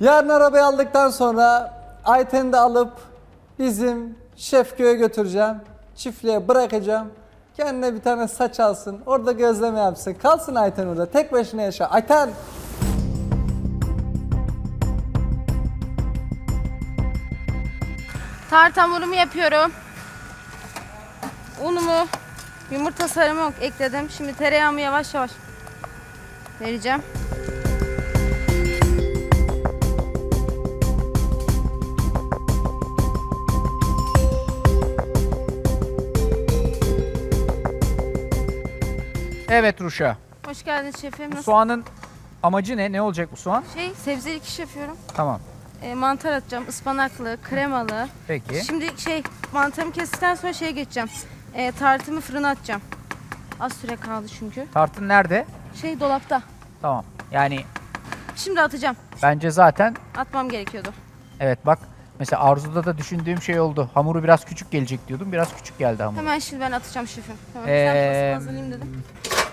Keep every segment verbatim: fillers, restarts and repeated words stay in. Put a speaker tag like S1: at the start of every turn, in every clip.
S1: Yarın arabayı aldıktan sonra Ayten'i de alıp bizim Şefköy'e götüreceğim. Çiftliğe bırakacağım. Kendine bir tane saç alsın. Orada gözleme yapsın. Kalsın Ayten orada. Tek başına yaşa. Ayten!
S2: Tart hamurumu yapıyorum. Unumu, yumurta sarımı ekledim. Şimdi tereyağımı yavaş yavaş vereceğim.
S3: Evet Ruşa.
S2: Hoş geldiniz şefim.
S3: Bu
S2: Nasıl?
S3: soğanın amacı ne? Ne olacak bu soğan?
S2: Şey, sebzeli kiş yapıyorum.
S3: Tamam.
S2: E, mantar atacağım. Ispanaklı, kremalı.
S3: Peki.
S2: Şimdi şey, mantarımı kestikten sonra şeye geçeceğim. E, tartımı fırına atacağım. Az süre kaldı çünkü.
S3: Tartın nerede?
S2: Şey dolapta.
S3: Tamam. Yani
S2: Şimdi atacağım.
S3: bence zaten
S2: Atmam gerekiyordu.
S3: evet bak mesela Arzu'da da düşündüğüm şey oldu. Hamuru biraz küçük gelecek diyordum. Biraz küçük geldi hamur.
S2: Hemen şimdi ben atacağım şefim. Hemen
S3: Ee,
S2: ee, hazırlayayım dedim.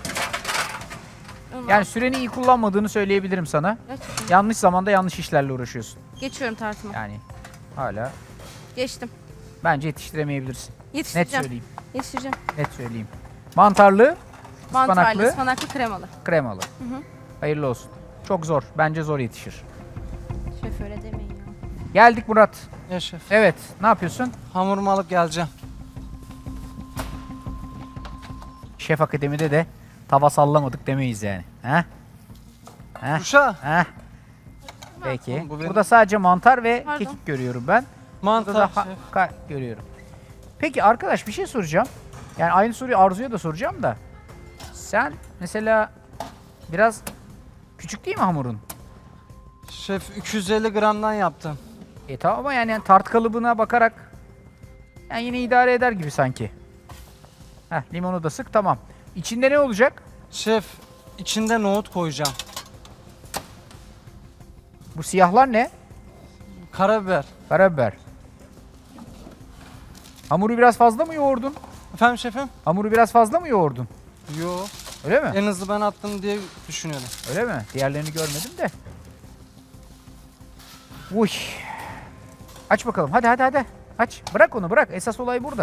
S2: Onu
S3: Yani
S2: al.
S3: süreni iyi kullanmadığını söyleyebilirim sana.
S2: Gerçekten.
S3: Yanlış zamanda yanlış işlerle uğraşıyorsun.
S2: Geçiyorum tartıma.
S3: Yani hala
S2: Geçtim.
S3: bence yetiştiremeyebilirsin. Net
S2: Yetiştireceğim.
S3: söyleyeyim.
S2: Yetiştireceğim.
S3: Net söyleyeyim. Mantarlı,
S2: Mantarlı,
S3: ıspanaklı,
S2: ıspanaklı, kremalı.
S3: kremalı.
S2: Hı hı.
S3: Hayırlı olsun. Çok zor. Bence zor yetişir.
S2: Şef öyle demeyin ya.
S3: Geldik Murat.
S1: Ya şef.
S3: Evet. Ne yapıyorsun?
S1: Hamurumu alıp geleceğim.
S3: Şef Akademi'de de tava sallamadık demeyiz yani. He? He?
S1: Uşa.
S3: He? Peki.
S1: Oğlum bu benim-
S3: Burada sadece mantar ve
S2: Pardon.
S3: kekik görüyorum ben. Burada
S1: Mantar
S3: da ha-
S1: şef.
S3: ka- görüyorum. Peki arkadaş bir şey soracağım. Yani aynı soruyu Arzu'ya da soracağım da. Sen mesela biraz küçük değil mi hamurun?
S1: Şef iki yüz elli gramdan yaptım.
S3: E tamam ama yani tart kalıbına bakarak yani yine idare eder gibi sanki. Heh, limonu da sık, tamam. İçinde ne olacak?
S1: Şef içinde nohut koyacağım.
S3: Bu siyahlar ne?
S1: Karabiber.
S3: Karabiber. Hamuru biraz fazla mı yoğurdun?
S1: Efendim şefim?
S3: Hamuru biraz fazla mı yoğurdun?
S1: Yo.
S3: Öyle mi?
S1: En hızlı ben attım diye düşünüyorum.
S3: Öyle mi? Diğerlerini görmedim de. Uy. Aç bakalım. Hadi hadi hadi. Aç. Bırak onu bırak. Esas olay burada.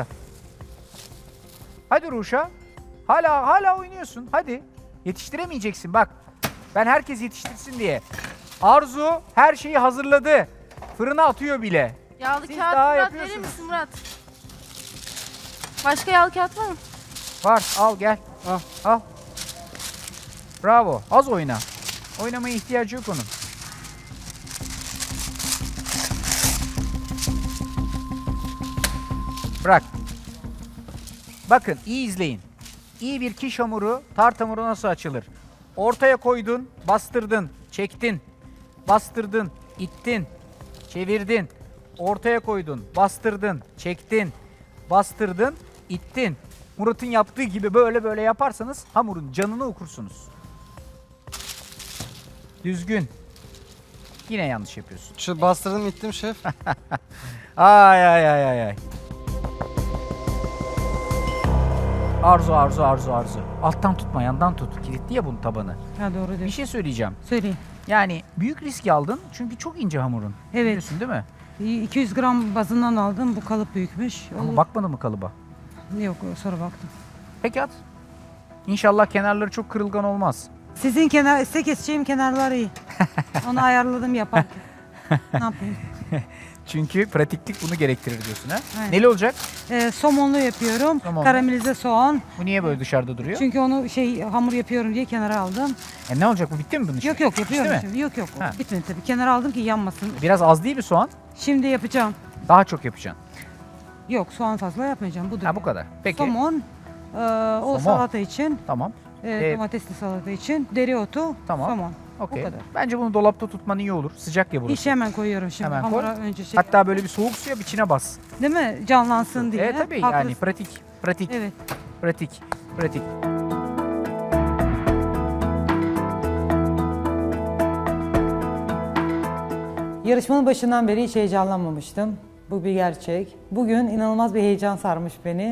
S3: Hadi Ruşa. Hala hala oynuyorsun. Hadi. Yetiştiremeyeceksin bak. Ben herkes yetiştirsin diye. Arzu her şeyi hazırladı. Fırına atıyor bile.
S2: Yağlı
S3: Siz
S2: kağıt
S3: daha
S2: Murat
S3: yapıyorsunuz.
S2: verir misin Murat? Başka yağlı kağıt var mı?
S3: Var, al gel.
S1: Al.
S3: Al. Bravo. Az oyna. Oynamaya ihtiyacı yok onun. Bırak. Bakın iyi izleyin. İyi bir kiş hamuru, tart hamuru nasıl açılır? Ortaya koydun, bastırdın, çektin. Bastırdın, ittin, çevirdin. Ortaya koydun, bastırdın, çektin. Bastırdın, ittin. Murat'ın yaptığı gibi böyle böyle yaparsanız hamurun canını okursunuz. Düzgün. Yine yanlış yapıyorsun.
S1: Şu bastırdım ittim şef.
S3: Ay ay ay ay ay. Arzu arzu arzu arzu. Alttan tutma, yandan tut. Kilitli ya bunun tabanı.
S4: Ha doğru
S3: Bir
S4: diyorsun.
S3: şey söyleyeceğim.
S4: Söyleyin.
S3: Yani büyük risk aldın çünkü çok ince hamurun.
S4: Evet.
S3: Biliyorsun değil mi?
S4: iki yüz gram bazından aldım. Bu kalıp büyükmüş.
S3: Ama
S4: Olur.
S3: bakmadın mı kalıba?
S4: Yok sonra baktım.
S3: Peki at. İnşallah kenarları çok kırılgan olmaz.
S4: Sizin kenar, size keseceğim kenarlar iyi. Onu ayarladım yaparken. Ne yapayım?
S3: Çünkü pratiklik bunu gerektirir diyorsun ha.
S4: Aynen.
S3: Neli olacak?
S4: Ee, somonlu yapıyorum.
S3: Somonlu.
S4: Karamelize soğan.
S3: Bu niye böyle dışarıda duruyor?
S4: Çünkü onu şey hamur yapıyorum diye kenara aldım.
S3: E ne olacak bu, bitti mi bunun işi?
S4: Yok yok yapıyorum.
S3: Bitti mi?
S4: şimdi. Yok yok.
S3: Ha.
S4: Bitmedi tabii. Kenara aldım ki yanmasın.
S3: Biraz az değil mi soğan?
S4: Şimdi yapacağım.
S3: Daha çok yapacaksın.
S4: Yok soğan fazla yapmayacağım. Budur.
S3: Ha bu kadar. Peki.
S4: Somon. e, o
S3: Somon.
S4: salata için.
S3: Tamam.
S4: e,
S3: Ee,
S4: domatesli salata için. Dereotu.
S3: Tamam.
S4: Somon.
S3: Okey.
S4: Bu kadar.
S3: Bence bunu dolapta tutman iyi olur. Sıcak ya burası.
S4: İşi hemen koyuyorum şimdi.
S3: Hemen koy.
S4: Hamura önce şey.
S3: Hatta böyle bir soğuk suya içine bas.
S4: Değil mi? Canlansın diye.
S3: Evet tabii
S4: Haklısın.
S3: yani pratik. Pratik.
S4: Evet.
S3: Pratik. Pratik.
S5: Yarışmanın başından beri hiç heyecanlanmamıştım. Bu bir gerçek. Bugün inanılmaz bir heyecan sarmış beni.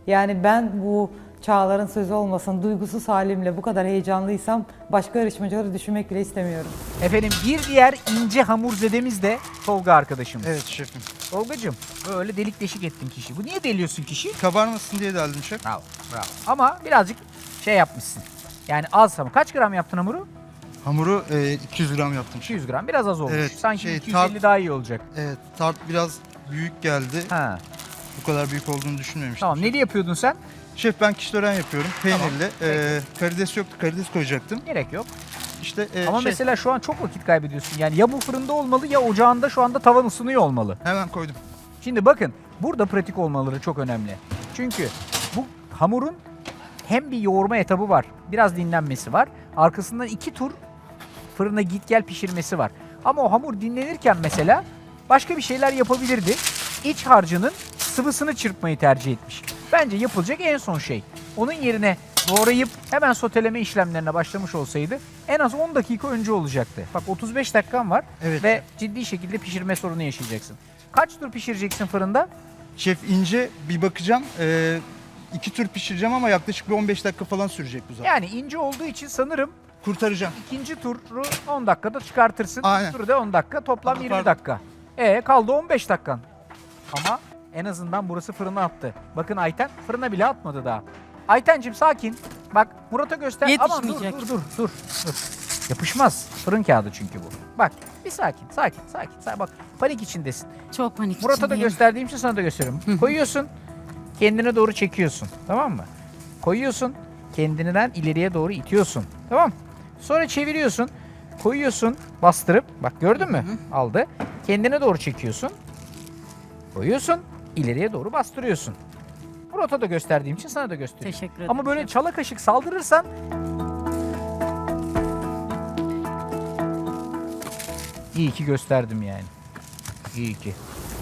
S4: Yani ben bu Çağlar'ın sözü olmasın, duygusuz halimle bu kadar heyecanlıysam başka yarışmacıları düşünmek bile istemiyorum.
S3: Efendim bir diğer ince hamurzedemiz de Tolga arkadaşımız.
S5: Evet şefim.
S3: Tolgacığım böyle delik deşik ettin kişi. Bu niye deliyorsun kişi?
S5: Kabarmasın diye deldim şef.
S3: Bravo, bravo. Ama birazcık şey yapmışsın. Yani az ama. Kaç gram yaptın hamuru?
S5: Hamuru e, iki yüz gram yaptım
S3: iki
S5: şef.
S3: yüz gram. Biraz az olmuş.
S5: Evet,
S3: Sanki
S5: şey,
S3: iki yüz elli
S5: tart-
S3: daha iyi olacak.
S5: Evet, tart biraz büyük geldi.
S3: Ha.
S5: Bu kadar büyük olduğunu düşünmemiştim.
S3: Tamam. Neli yapıyordun sen?
S5: Şef ben kişlören yapıyorum. Peynirli.
S3: Tamam,
S5: E, karides yoktu. Karides koyacaktım.
S3: Gerek yok.
S5: İşte e,
S3: Ama
S5: şey,
S3: mesela şu an çok vakit kaybediyorsun. Yani ya bu fırında olmalı ya ocağında şu anda tavan ısınıyor olmalı.
S5: hemen koydum.
S3: Şimdi bakın burada pratik olmaları çok önemli. Çünkü bu hamurun hem bir yoğurma etabı var. Biraz dinlenmesi var. Arkasından iki tur fırına git gel pişirmesi var. Ama o hamur dinlenirken mesela başka bir şeyler yapabilirdi. İç harcının sıvısını çırpmayı tercih etmiş. Bence yapılacak en son şey. Onun yerine doğrayıp hemen soteleme işlemlerine başlamış olsaydı en az on dakika önce olacaktı. Bak otuz beş dakikan var
S5: Evet.
S3: ve ciddi şekilde pişirme sorunu yaşayacaksın. Kaç tur pişireceksin fırında?
S5: Şef ince bir bakacağım. E, iki tür pişireceğim ama yaklaşık bir on beş dakika falan sürecek bu zaten.
S3: Yani ince olduğu için sanırım
S5: Kurtaracağım.
S3: ikinci turu on dakikada çıkartırsın.
S5: Aynen.
S3: Turu da on dakika. Toplam
S5: Pardon,
S3: yirmi
S5: pardon.
S3: dakika. E kaldı on beş dakikan. Ama en azından burası fırına attı. Bakın Ayten fırına bile atmadı daha. Aytencim sakin. Bak Murat'a göster. Aman dur
S4: Yetişmeyecek.
S3: dur dur dur. dur. Yapışmaz. Fırın kağıdı çünkü bu. Bak bir sakin sakin sakin. sakin. Bak panik içindesin.
S2: Çok panik
S3: Murat'a da
S2: içindeyim.
S3: gösterdiğim için sana da gösteriyorum. Koyuyorsun. Kendine doğru çekiyorsun. Tamam mı? Koyuyorsun. Kendinden ileriye doğru itiyorsun. Tamam. Sonra çeviriyorsun. Koyuyorsun. Bastırıp. Bak gördün mü? Aldı. Kendine doğru çekiyorsun. Koyuyorsun. İleriye doğru bastırıyorsun. Murat'a da gösterdiğim için sana da gösteriyorum.
S2: Teşekkür ederim.
S3: Ama böyle
S2: şef.
S3: çala kaşık saldırırsan iyi ki gösterdim yani. İyi ki.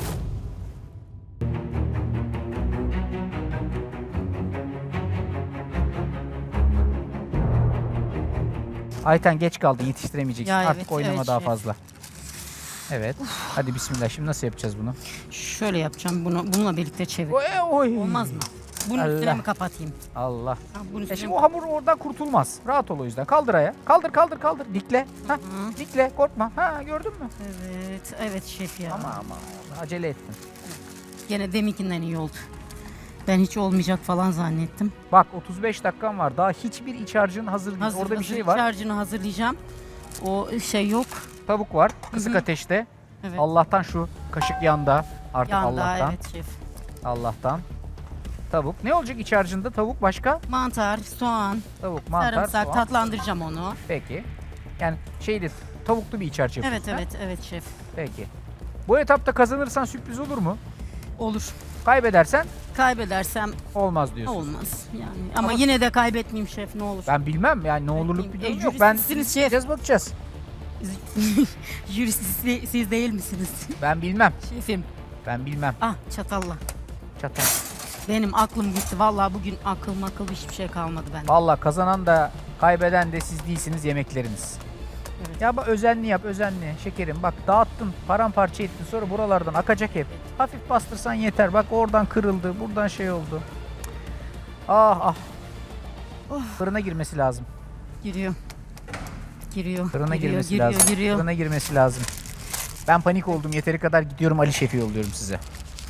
S3: Ayten geç kaldın, yetiştiremeyeceksin.
S2: Ya
S3: Artık
S2: evet,
S3: oynama
S2: evet,
S3: daha
S2: şef.
S3: fazla. Evet. Hadi bismillah. Şimdi nasıl yapacağız bunu?
S6: Şöyle yapacağım bunu bununla birlikte çevir.
S3: Oy, oy.
S6: Olmaz mı? Bunun
S3: Allah.
S6: üstüne mi kapatayım?
S3: Allah.
S6: Ha, bunun
S3: E
S6: üstüne
S3: şimdi
S6: mi?
S3: o hamur oradan kurtulmaz. Rahat ol o yüzden. Kaldır ayağı. Kaldır kaldır kaldır. Dikle. Ha, dikle. Korkma. Ha, gördün mü?
S6: Evet, evet şef ya.
S3: Ama ama acele ettin.
S6: Gene deminkinden iyi oldu. Ben hiç olmayacak falan zannettim.
S3: Bak otuz beş dakikan var. Daha hiçbir iç harcın hazır değil.
S6: Hazır,
S3: Orada bir
S6: hazır
S3: şey var.
S6: Harcını hazırlayacağım. O şey yok.
S3: Tavuk var. Kısık ateşte.
S6: Evet.
S3: Allah'tan şu kaşık yanda. Artık
S6: Yanda
S3: Allah'tan.
S6: evet şef.
S3: Allah'tan. Tavuk. Ne olacak iç harcında? Tavuk başka?
S6: Mantar, soğan,
S3: Tavuk, mantar,
S6: sarımsak
S3: soğan.
S6: tatlandıracağım onu.
S3: Peki. Yani şeydi, tavuklu bir iç harcı
S6: Evet
S3: yapıyorsun, ha?
S6: evet evet şef.
S3: Peki. Bu etapta kazanırsan sürpriz olur mu?
S6: Olur.
S3: Kaybedersen
S6: Kaybedersem
S3: olmaz diyorsun.
S6: olmaz yani. Ama,
S3: Ama-
S6: yine de kaybetmeyeyim şef ne olur.
S3: Ben bilmem yani ne olurluk bir
S6: E,
S3: durum yok. Ben
S6: jüristsiniz şef.
S3: gideceğiz bakacağız.
S6: Jürist siz, siz değil misiniz?
S3: Ben bilmem.
S6: Şefim.
S3: Ben bilmem.
S6: Ah çatalla.
S3: Çatal.
S6: Benim aklım gitti. Vallahi bugün akıl makıl hiçbir şey kalmadı bende.
S3: Vallahi kazanan da kaybeden de siz değilsiniz, yemekleriniz.
S6: Evet.
S3: Ya bak özenli yap özenli şekerim. Bak dağıttın paramparça ettin sonra buralardan akacak hep. Hafif bastırsan yeter. Bak oradan kırıldı buradan şey oldu. Ah ah. Fırına girmesi lazım.
S6: Giriyor. Giriyor.
S3: Fırına
S6: giriyor,
S3: girmesi
S6: giriyor,
S3: lazım.
S6: Giriyor.
S3: Fırına girmesi lazım. Ben panik oldum. Yeteri kadar gidiyorum Ali Şef'i yolluyorum size.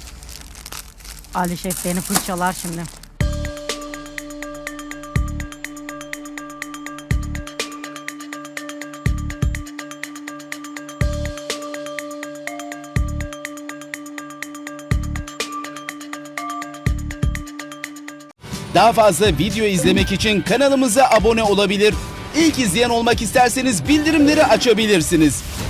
S6: Ali Şef beni fırçalar şimdi.
S7: Daha fazla video izlemek için kanalımıza abone olabilir. İlk izleyen olmak isterseniz bildirimleri açabilirsiniz.